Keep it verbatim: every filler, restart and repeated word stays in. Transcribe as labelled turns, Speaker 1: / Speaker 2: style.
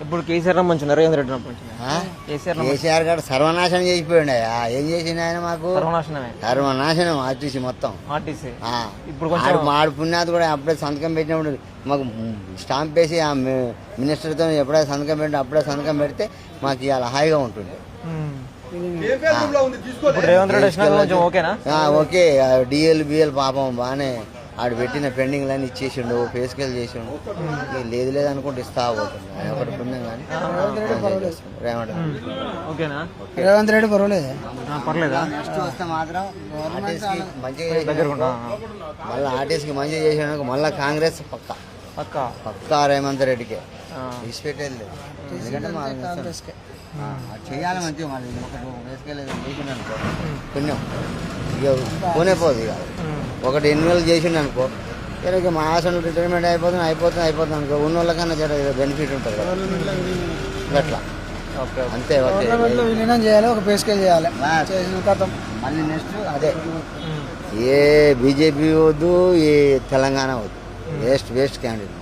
Speaker 1: ఇప్పుడు కేసీఆర్ మంచిగా రేవంత్ రెడ్డి మంచిగా కేసీఆర్
Speaker 2: కేసీఆర్ గారు సర్వనాశనం చేసిపోయిండు. ఏం చేసిండు ఆయన మాకు?
Speaker 1: సర్వనాశనమే,
Speaker 2: సర్వనాశనం ఆర్టీసీ మొత్తం.
Speaker 1: ఆర్టీసీ
Speaker 2: ఆ.
Speaker 1: ఇప్పుడు
Speaker 2: ఆడు ఆడు పుణ్యాత్ కూడా అప్పుడే సంతకం పెట్టినప్పుడు మాకు స్టాంప్ వేసి ఆ మినిస్టర్తో ఎప్పుడైతే సంతకం పెట్టిన అప్పుడే సంతకం పెడితే మాకు ఇవాళ హాయిగా ఉంటుంది.
Speaker 1: ఇప్పుడు రేవంత్ రెడ్డి వచ్చినా కొంచెం ఓకేనా?
Speaker 2: ఓకే. డిఎల్ బిఎల్ పాపం బాగానే ఆడు పెట్టిన పెండింగ్లన్నీ ఇచ్చేసిండు, ఫేస్కెల్ చేసిండు. లేదు లేదు అనుకుంటే ఇస్తా పోతుంది. ఒకటి పుణ్యం కానీ రేవంత్
Speaker 1: ఓకేనా?
Speaker 3: రేవంత్ రెడ్డి పర్వాలేదు,
Speaker 1: పర్లేదా?
Speaker 2: నెక్స్ట్ వస్తే మాత్రం ఆర్టీసీకి మంచిగా మళ్ళీ ఆర్టీసీకి మంచిగా చేసిన మళ్ళీ కాంగ్రెస్ పక్క
Speaker 1: పక్క
Speaker 2: పక్కా రేవంత్ రెడ్డికే విడిచిపెట్టేది లేదు. ఎందుకంటే మా చేయాలి మంచిగా మళ్ళీ ఒకటి వేసుకెళ్ళేది చేసిండు అనుకో పుణ్యం ఇక పోనే పోదు. ఇక ఒకటి ఎన్నివేలు చేసిండు అనుకో ఇక మా ఆసన రిటైర్మెంట్ అయిపోతుంది అయిపోతుంది అయిపోతుంది అనుకో ఉన్న వాళ్ళకన్నా జర బెనిఫిట్ ఉంటుంది కదా అట్లా. అంతే
Speaker 3: విలీనం చేయాలి, ఒక పేస్కేల్ చేయాలి.
Speaker 2: మళ్ళీ నెక్స్ట్ అదే ఏ బీజేపీ వద్దు ఏ తెలంగాణ వద్దు, వేస్ట్ వేస్ట్ క్యాండిడేట్.